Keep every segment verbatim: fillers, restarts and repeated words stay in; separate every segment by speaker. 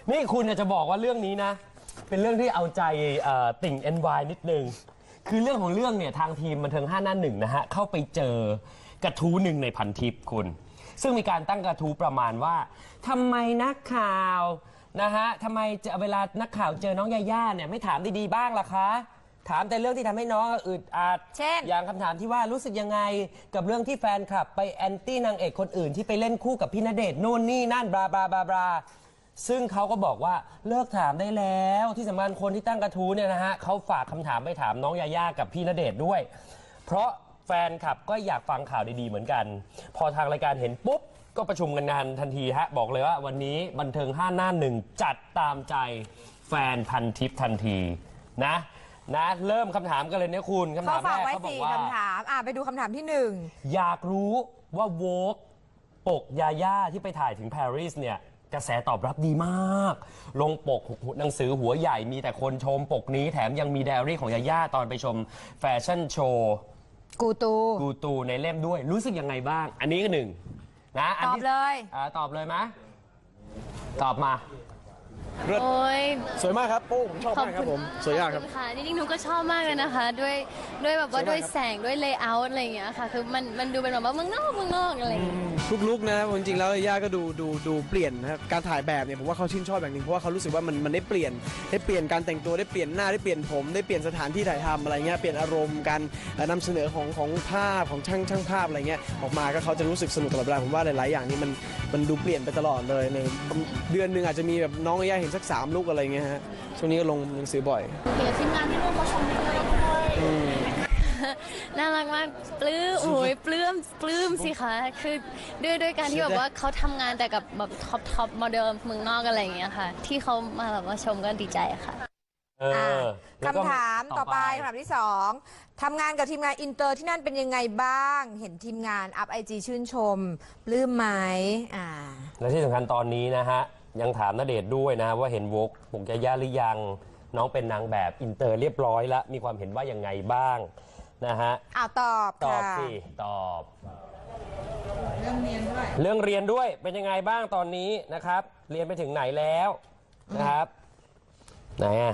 Speaker 1: นี่คุณจะบอกว่าเรื่องนี้นะเป็นเรื่องที่เอาใจติ่ง เอ็น วาย นิดนึงคือเรื่องของเรื่องเนี่ยทางทีมบันเทิงห้าหน้าหนึ่งนะฮะเข้าไปเจอกระทู้หนึ่งในพันทิปคุณซึ่งมีการตั้งกระทู้ประมาณว่าทำไมนักข่าวนะฮะทำไมเวลานักข่าวเจอน้องยาย่าเนี่ยไม่ถามดีๆบ้างล่ะคะถามแต่เรื่องที่ทำให้น้องอึดอัดเช่นอย่างคำถามที่ว่ารู้สึกยังไงกับเรื่องที่แฟนคลับไปแอนตี้นางเอกคนอื่นที่ไปเล่นคู่กับพี่ณเดชน์โน่นนี่นั่นบลาบลาบลาบลาซึ่งเขาก็บอกว่าเลิกถามได้แล้วที่สำคัญคนที่ตั้งกระทู้เนี่ยนะฮะเขาฝากคำถามไปถามน้องยาย่ากับพี่ณเดชน์ด้วยเพราะแฟนคลับก็อยากฟังข่าวดีๆเหมือนกันพอทางรายการเห็นปุ๊บก็ประชุมกันงานทันทีฮะบอกเลยว่าวันนี้บันเทิงห้าหน้าหนึ่งจัดตามใจแฟนพันทิปทันทีนะนะเริ่มคำถามกันเลยเนี่ยคุณคำถามแรกเขาบอกว่า
Speaker 2: คำถามอ่ะไปดูคำถามที่หนึ่ง
Speaker 1: อยากรู้ว่าโวกปกยาย่าที่ไปถ่ายถึงปารีสเนี่ยกระแสตอบรับดีมากลงปกหนังสือหัวใหญ่มีแต่คนชมปกนี้แถมยังมีไดอารี่ของยาย่าตอนไปชมแฟชั่นโชว์
Speaker 2: กูตู
Speaker 1: กูตูในเล่มด้วยรู้สึกยังไงบ้างอันนี้ก็หนึ่งนะ
Speaker 2: ตอบเลย
Speaker 1: อ่าตอบเลยไหมตอบมา
Speaker 3: โอ้ย
Speaker 4: สวยมากครับโอ้ผมชอบมากครับผมสวยมากครับ
Speaker 3: ค่ะจริงๆหนูก็ชอบมากเลยนะคะด้วยด้วยแบบว่าด้วยแสงด้วยเลเยอร์อะไรอย่างเงี้ยค่ะคือมันมันดูเป็นแบบว่าเมืองนอกเมืองนอกอะไรอย่างเงี้ย
Speaker 4: ทุกลุกนะจริงๆแล้วย่าก็ดูดูดูเปลี่ยนนะครับการถ่ายแบบเนี่ยผมว่าเขาชื่นชอบอย่างหนึ่งเพราะว่าเขารู้สึกว่ามันมันได้เปลี่ยนได้เปลี่ยนการแต่งตัวได้เปลี่ยนหน้าได้เปลี่ยนผมได้เปลี่ยนสถานที่ถ่ายทำอะไรเงี้ยเปลี่ยนอารมณ์การนำเสนอของของภาพของช่างช่างภาพอะไรเงี้ยออกมาก็เขาจะรู้สึกสนุกตลอดเวลาผมว่าหลายๆอย่างนี้มันมันดูเปลี่ยนไปตลอดเลยในเดือนหนึ่งอาจจะมีแบบน้องย่าเห็นสักสามลุกอะไรเงี้ยฮะช่วงนี้ก็ลงหนังสือบ่อย
Speaker 3: เดี๋ยวทีมงานที่ร่วมมาชมด้วยน่ารักมากปลื้มโอ้ยปลื้มปลื้มสิคะคือด้วยด้วยการที่แบบว่าเขาทำงานแต่กับแบบท็อปท็อปโมเดลเมืองนอกอะไรอย่างเงี้ยค่ะที่เขามาแบบว่าชมก็ดีใจค่ะ
Speaker 2: คำถามต่อไปคำถามที่สองทำงานกับทีมงานอินเตอร์ที่นั่นเป็นยังไงบ้างเห็นทีมงานอัพไอจีชื่นชมปลื้มไหมอ่า
Speaker 1: และที่สำคัญตอนนี้นะฮะยังถามณเดชน์ด้วยนะว่าเห็นวกปกยาย่าหรือยังน้องเป็นนางแบบอินเตอร์เรียบร้อยแล้วมีความเห็นว่ายังไงบ้างนะฮะ
Speaker 2: อ้าวตอบ
Speaker 1: ตอบสิตอบเรื่องเรียนด้วยเรื่องเรียนด้วยเป็นยังไงบ้างตอนนี้นะครับเรียนไปถึงไหนแล้วนะครับไหนอ่ะ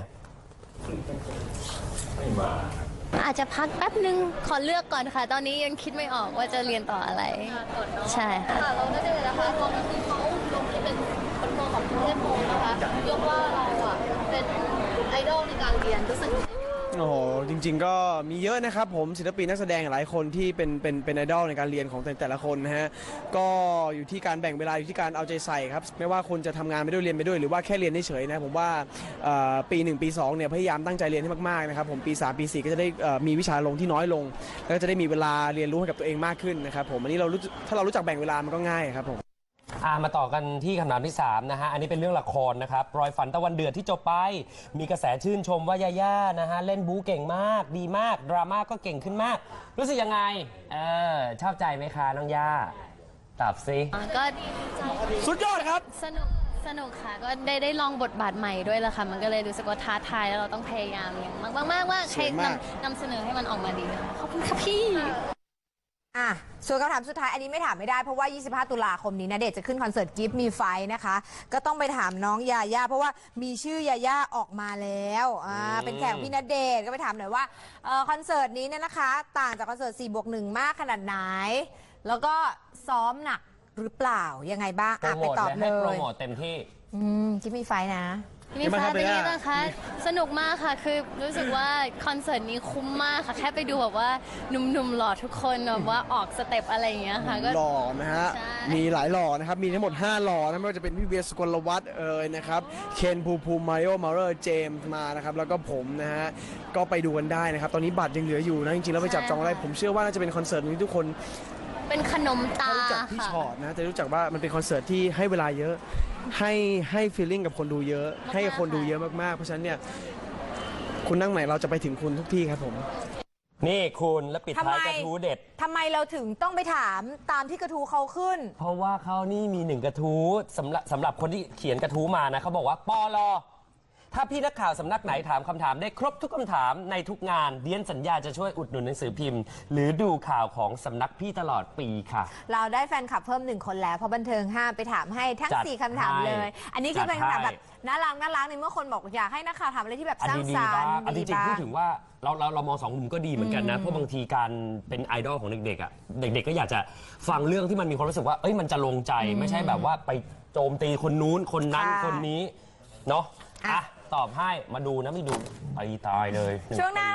Speaker 3: อาจจะพักแป๊บนึงขอเลือกก่อนค่ะตอนนี้ยังคิดไม่ออกว่าจะเรียนต่ออะไรใช่ค่ะเราได้เลยนะคะตอนนี้เขาลงที่เป็นคนโตของประเทศโมนะคะยกว่าเราอ่ะเป็นไอดอลในการเรียนรู้สึก
Speaker 4: โอ้โหจริงๆก็มีเยอะนะครับผมศิลปินนักแสดงหลายคนที่เป็นเป็นเป็นไอดอลในการเรียนของแต่ละคนนะฮะก็อยู่ที่การแบ่งเวลาอยู่ที่การเอาใจใส่ครับไม่ว่าคุณจะทำงานไปด้วยเรียนไปด้วยหรือว่าแค่เรียนเฉยๆนะผมว่าปีหนึ่งปีสองเนี่ยพยายามตั้งใจเรียนให้มากๆนะครับผมปีสามปีสี่ก็จะได้มีวิชาลงที่น้อยลงแล้วก็จะได้มีเวลาเรียนรู้ให้กับตัวเองมากขึ้นนะครับผมอันนี้เราถ้าเรารู้จักแบ่งเวลามันก็ง่ายครับผม
Speaker 1: มาต่อกันที่คำถามที่สามนะฮะอันนี้เป็นเรื่องละครนะครับรอยฝันตะวันเดือดที่จบไปมีกระแสชื่นชมว่ายาย่านะฮะเล่นบู๊เก่งมากดีมากดราม่าก็เก่งขึ้นมากรู้สึกยังไงเออชอบใจไหมคะน้องย่าตอบสิ
Speaker 3: ก็ดีใจ
Speaker 4: สุดยอดครับ
Speaker 3: สนุกสนุกค่ะก็ได้ได้ลองบทบาทใหม่ด้วยละค่ะมันก็เลยรู้สึกว่าท้าทายแล้วเราต้องพยายามอย่างมากมากว่าใครนำนำเสนอให้มันออกมาดีค่ะขอบคุณค่ะพี่
Speaker 2: อ่ะส่วนคำถามสุดท้ายอันนี้ไม่ถามไม่ได้เพราะว่ายี่สิบห้าตุลาคมนี้ณเดชน์จะขึ้นคอนเสิร์ตกิฟต์มีไฟนะคะก็ต้องไปถามน้องยาย่าเพราะว่ามีชื่อยาย่าออกมาแล้วอ่าเป็นแขกพี่ณเดชน์ก็ไปถามหน่อยว่าเออคอนเสิร์ตนี้เนี่ยนะคะต่างจากคอนเสิร์ตสี่บวกหนึ่งมากขนาดไหนแล้วก็ซ้อมหนักหรือเปล่ายังไงบ้างอ่ะไปตอบเลย
Speaker 1: โปรโมทเต็มที่
Speaker 2: อืมกิฟต์มีไฟนะ
Speaker 3: นี่ค่ะเป็นยังไงบ้างคะสนุกมากค่ะคือรู้สึกว่าคอนเสิร์ตนี้คุ้มมากค่ะแค่ไปดูแบบว่าหนุ่มๆหล่อทุกคนแบบว่าออกสเต็ปอะไรอย่างเงี้ยค่ะก็
Speaker 4: หล่อนะฮะมีหลายหล่อนะครับมีทั้งหมดห้าหล่อนะไม่ว่าจะเป็นพี่เวียสกลวัฒน์เอ่ยนะครับเคนภูมิภูมิมาริโอมาเรอร์เจมส์มานะครับแล้วก็ผมนะฮะก็ไปดูกันได้นะครับตอนนี้บัตรยังเหลืออยู่นะจริงๆแล้วไปจับจองได้ผมเชื่อว่าน่าจะเป็นคอนเสิร์ตที่ทุกคน
Speaker 3: เป็นขนมตา
Speaker 4: รู้จักพี่ชอตนะจะรู้จักว่ามันเป็นคอนเสิร์ตที่ให้เวลาเยอะให้ให้ฟีลลิ่งกับคนดูเยอะให้คนดูเยอะมากๆเพราะฉะนั้นเนี่ยคุณนั่งไหนเราจะไปถึงคุณทุกที่ครับผม
Speaker 1: นี่คุณแล้วปิดท้ายกระทู้เด็ด
Speaker 2: ทำไมเราถึงต้องไปถามตามที่กระทู้เขาขึ้น
Speaker 1: เพราะว่าเขานี่มีหนึ่งกระทู้สำหรับสำหรับคนที่เขียนกระทู้มานะเขาบอกว่าปลอถ้าพี่นักข่าวสำนักไหนถามคำถามได้ครบทุกคำถามในทุกงานเดียนสัญญาจะช่วยอุดหนุนหนังสือพิมพ์ หรือดูข่าวของสำนักพี่ตลอดปีค่ะ
Speaker 2: เราได้แฟนคลับเพิ่มหนึ่งคนแล้วเพราะบันเทิงห้ามไปถามให้ทั้ง
Speaker 1: จัด
Speaker 2: สี่คำถาม
Speaker 1: ให้
Speaker 2: เลย อันนี้คือเป็น
Speaker 1: จัดให้
Speaker 2: คำถามแบบน่ารักน่ารักในเมื่อคนบอกอยากให้นักข่าวถามอะไรที่แบบสร้าง
Speaker 1: ดี
Speaker 2: สร
Speaker 1: ๆ
Speaker 2: ร
Speaker 1: บ้าง
Speaker 2: ค์
Speaker 1: อัน
Speaker 2: ดี
Speaker 1: จริงๆ
Speaker 2: บ้า
Speaker 1: พูด
Speaker 2: ง
Speaker 1: ถึงว่าเราเราเรามองสองมุมก็ดีเหมือนกันนะ เพราะบางทีการเป็นไอดอลของเด็กๆอ่ะเด็กๆก็อยากจะฟังเรื่องที่มันมีความรู้สึกว่าเอ้ยมันจะลงใจไม่ใช่แบบว่าไปโจมตีคนนู้นคนนั้น
Speaker 2: ค่ะ
Speaker 1: คนนี้เนาะ
Speaker 2: อ่ะ
Speaker 1: อ่ะตอบให้มาดูนะไม่ดูไปตายเลย
Speaker 2: ช่วงหน้า